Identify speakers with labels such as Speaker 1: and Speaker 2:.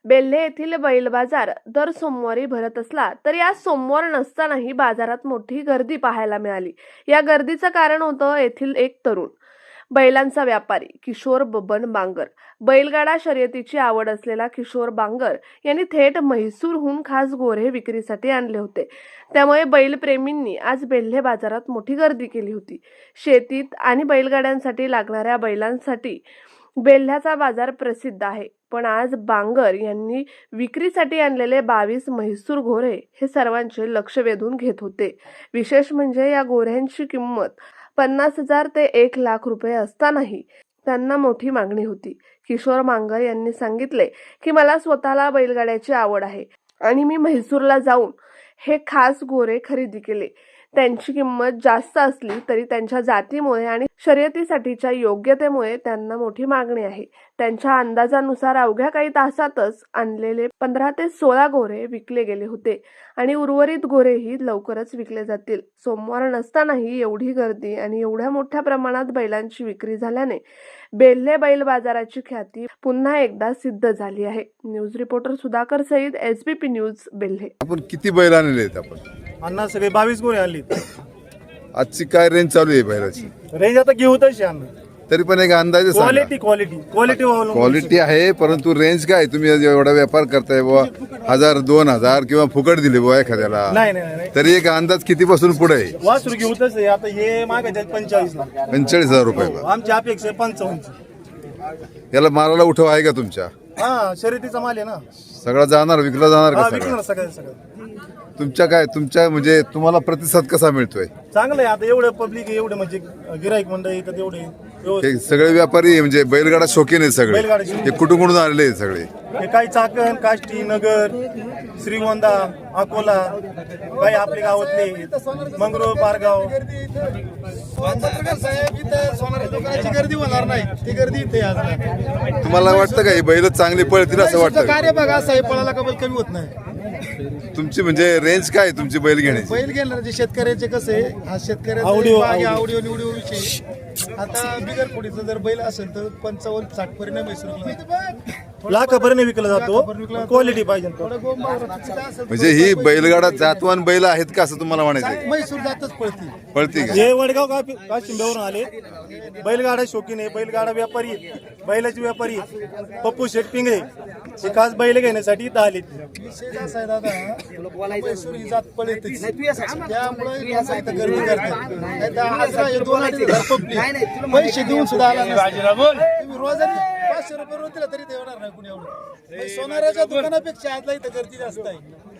Speaker 1: बेल्हे येथील बैल बाजार दर सोमवारी भरत असला तरी आज सोमवार नसतानाही बाजारात मोठी गर्दी पाहायला मिळाली। या गर्दीचं कारण होतं येथील एक तरुण बैलांचा व्यापारी किशोर बबन बांगर। बैलगाडा शर्यतीची आवड असलेला किशोर बांगर यांनी थेट म्हैसूरहून खास गोरे विक्रीसाठी आणले होते। त्यामुळे बैलप्रेमींनी आज बेल्हे बाजारात मोठी गर्दी केली होती। शेतीत आणि बैलगाड्यांसाठी लागणाऱ्या बैलांसाठी बेल्ह्याचा बाजार प्रसिद्ध आहे, पण आज बांगर यांनी विक्रीसाठी आणलेले 22 म्हैसूर घोरे हे सर्वांचे लक्ष वेधून घेत होते। विशेष म्हणजे या गोऱ्यांची किंमत 50,000 ते 1 लाख रुपये असतानाही त्यांना मोठी मागणी होती। किशोर बांगर यांनी सांगितले की मला स्वतःला बैलगाड्याची आवड आहे आणि मी म्हैसूरला जाऊन हे खास गोरे खरेदी केले। त्यांची किंमत जास्त असली तरी त्यांच्या जातीमुळे आणि शर्यतीसाठीच्या योग्यतेमुळे त्यांना मोठी मागणी आहे। त्यांच्या अंदाजानुसार अवघ्या काही तासातच आणलेले 15 ते 16 गोरे विकले गेले होते आणि उर्वरित गोरेही लवकरच विकले जातील। सोमवार नसतानाही एवढी गर्दी आणि एवढ्या मोठ्या प्रमाणात बैलांची विक्री झाल्याने बेल्हे बैल बाजाराची ख्याती पुन्हा एकदा सिद्ध झाली आहे। News reporter Sudhakar Sayeed, SBP news, Belhe.
Speaker 2: आपण किती बैल आणले आहेत आपण?
Speaker 3: अण्णा सगळे 22 गोरे आणली।
Speaker 2: आजची काय रेंज चालू आहे बैलाची?
Speaker 3: रेंज आता घेऊ तशी अण्णा,
Speaker 2: तरी पण एक अंदाजे सांगा। क्वालिटी आहे, परंतु रेंज काय? तुम्ही एवढा व्यापार करताय बुवा, 1000 2000 किंवा फुकट दिले बुवा एखाद्याला,
Speaker 3: नाही
Speaker 2: तरी एक अंदाज किती पासून पुढे आहे?
Speaker 3: वासरू घेऊ तसे आता हे मागायचे 45 ला,
Speaker 2: 45,000 रुपये बा।
Speaker 3: आमची अपेक्षा 55।
Speaker 2: याला मारायला उठव आहे का तुमच्या?
Speaker 3: हा, शर्यतीचा माल आहे ना,
Speaker 2: सगळा जाणार, विकला जाणार का सगळा?
Speaker 3: विकणार सगळं।
Speaker 2: तुमच्या म्हणजे तुम्हाला प्रतिसाद कसा मिळतोय?
Speaker 3: चांगलं आहे। आता एवढं पब्लिक, एवढे म्हणजे गिराईक मंडळी तर तेवढे
Speaker 2: हे सगळे व्यापारी म्हणजे बैलगाडा शौकीन आहेत सगळे?
Speaker 3: बैलगाडा शौकीन.
Speaker 2: हे कुठून आलेले आहेत सगळे?
Speaker 3: हे काही चाकण, काष्टी, नगर, श्रीगोंदा, अकोला, काही आपले गावातले मंगरूळ, पारगाव। गर्दी होणार नाही, ती गर्दी इथे आज नाही।
Speaker 2: तुम्हाला वाटतं का हे बैल चांगले पळतील असं वाटतं?
Speaker 3: कार्य बघा साहेब, पळाला का बैल कमी होत नाही।
Speaker 2: तुमची म्हणजे रेंज काय तुमची बैल घेण्याची?
Speaker 3: बैल घेणार जे शेतकऱ्याचे कसे, हा शेतकऱ्याचा आवडीव निवडीव विषय। आता बिगर पुढीचं जर बैल असेल तर 55-60 पर्यंत लाखापर्यंत विकला जातो। क्वालिटी पाहिजे
Speaker 2: म्हणजे ही बैलगाडा जातवान बैल आहेत का असं तुम्हाला म्हणायचं?
Speaker 3: म्हैसूर जातच
Speaker 2: पळती का?
Speaker 3: हे वडगाव काशिंब्यावरून आले, बैलगाडा शौकीन आहे, बैलगाडा व्यापारी आहे, बैलाचे व्यापारी आहे, पप्पू शेठ पिंगळे, हे खास बैल घेण्यासाठी इथं आले। म्हैसूर ही जात पळते, त्यामुळे गर्दी करतात। पैसे देऊन सुद्धा आला रोजाने 500 रुपये रोज दिला तरी ते होणार नाही कुणी एवढं। सोनाराच्या दुकानापेक्षा आजला इथं गर्दी जास्त आहे।